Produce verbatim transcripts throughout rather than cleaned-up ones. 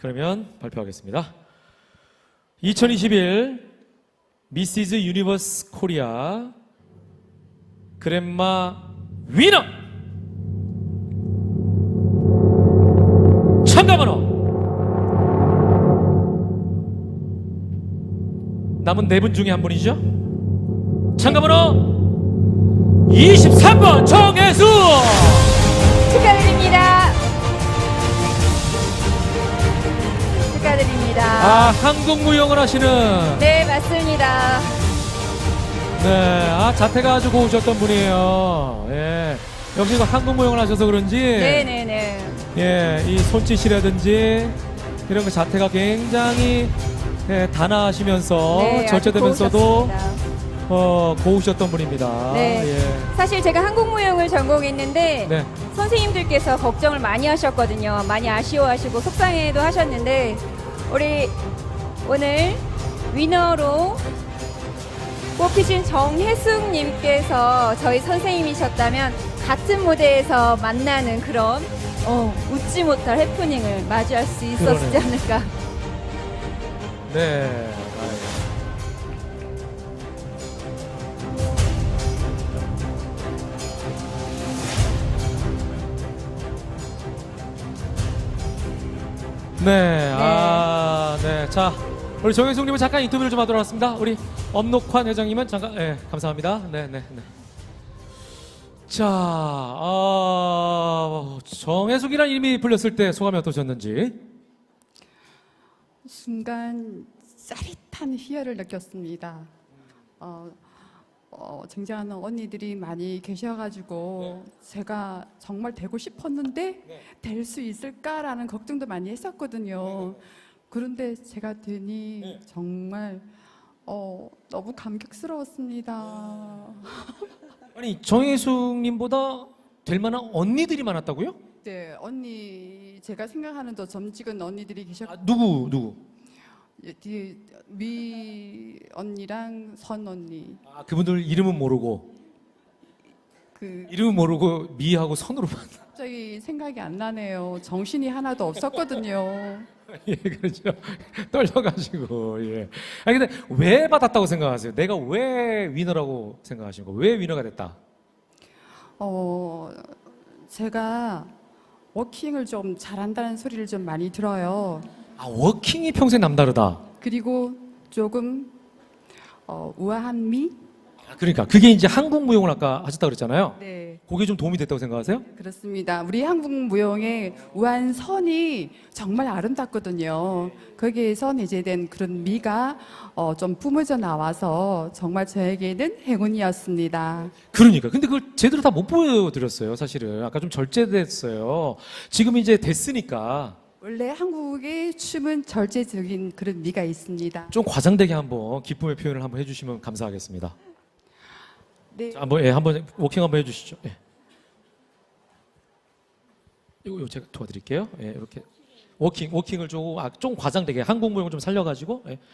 그러면 발표하겠습니다. 이천이십일 미시즈 유니버스 코리아 그랜마 위너 참가번호 남은 네 분 중에 한 분이죠. 참가번호 이십삼 번 정혜수 축하드립니다. 축하드립니다. 아, 한국 무용을 하시는 네, 맞습니다. 네, 아 자태가 아주 고우셨던 분이에요. 예, 역시 그 한국 무용을 하셔서 그런지 네네네. 예, 이 손짓이라든지 이런 그 자태가 굉장히 예, 단아하시면서 네, 아주 절제되면서도 고우셨습니다. 어, 고우셨던 분입니다. 네. 예. 사실 제가 한국무용을 전공했는데 네. 선생님들께서 걱정을 많이 하셨거든요. 많이 아쉬워하시고 속상해도 하셨는데 우리 오늘 위너로 뽑히신 정혜숙님께서 저희 선생님이셨다면 같은 무대에서 만나는 그런 어, 웃지 못할 해프닝을 맞이할 수 있었지 그러네요. 않을까. 네. 아이고. 네, 아, 네. 자, 우리 정혜숙님은 잠깐 인터뷰를 좀 하도록 하겠습니다. 우리 엄록환 회장님은 잠깐, 네, 감사합니다. 네, 네, 네. 자, 아, 정혜숙이라는 이름이 불렸을 때 소감이 어떠셨는지? 순간 짜릿한 희열을 느꼈습니다. 어, 어, 쟁쟁하는 언니들이 많이 계셔가지고 제가 정말 되고 싶었는데 될 수 있을까라는 걱정도 많이 했었거든요. 그런데 제가 되니 정말 어, 너무 감격스러웠습니다. 아니, 정혜숙님보다 될 만한 언니들이 많았다고요? 네, 언니 제가 생각하는 더 점찍은 언니들이 계셨고 아, 누구, 누구? 예, 뒤에 미 언니랑 선 언니 아, 그분들 이름은 모르고, 그 이름은 모르고 미하고 선으로만. 갑자기 생각이 안 나네요. 정신이 하나도 없었거든요. 예, 그렇죠. 떨려가지고, 예. 아니, 근데 왜 받았다고 생각하세요? 내가 왜 위너라고 생각하시는 거? 왜 위너가 됐다? 어, 제가 워킹을 좀 잘한다는 소리를 좀 많이 들어요. 아, 워킹이 평소에 남다르다. 그리고 조금 어, 우아한 미? 아, 그러니까 그게 이제 한국 무용을 아까 하셨다 그랬잖아요. 네, 그게 좀 도움이 됐다고 생각하세요? 그렇습니다. 우리 한국 무용의 우아한 선이 정말 아름답거든요. 거기에서 내재된 그런 미가 어, 좀 뿜어져 나와서 정말 저에게는 행운이었습니다. 그러니까. 근데 그걸 제대로 다 못 보여드렸어요, 사실은. 아까 좀 절제됐어요. 지금 이제 됐으니까 원래 한국의 춤은 절제적인 그런 미가 있습니다. 좀 과장되게 한번 기쁨의 표현을 한번 해주시면 감사하겠습니다. 네. 자, 한번, 예, 한번 워킹 한번 해주시죠. 예. 이거, 이거 제가 도와드릴게요. 예, 이렇게 워킹, 워킹을 좀, 아, 좀 과장되게 한국 무용을 좀 살려가지고. 예.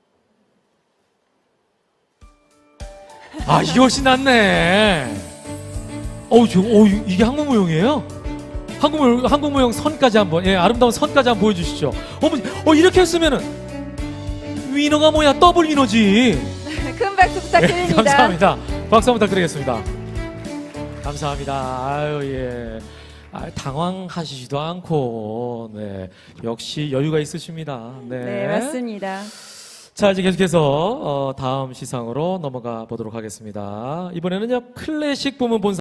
아, 이게 훨씬 낫네. 어우, 저, 어, 이게 한국 무용이에요? 한국 무용, 한국 무용 선까지 한번, 예, 아름다운 선까지 한번 보여주시죠. 어머니, 어, 이렇게 했으면은 위너가 뭐야? 더블 위너지. 큰 박수 부탁드립니다. 예, 감사합니다. 박수 한번 부탁드리겠습니다. 감사합니다. 아유, 예. 아, 당황하시지도 않고, 네. 역시 여유가 있으십니다. 네. 네, 맞습니다. 자, 이제 계속해서, 어, 다음 시상으로 넘어가 보도록 하겠습니다. 이번에는요, 클래식 부문 본사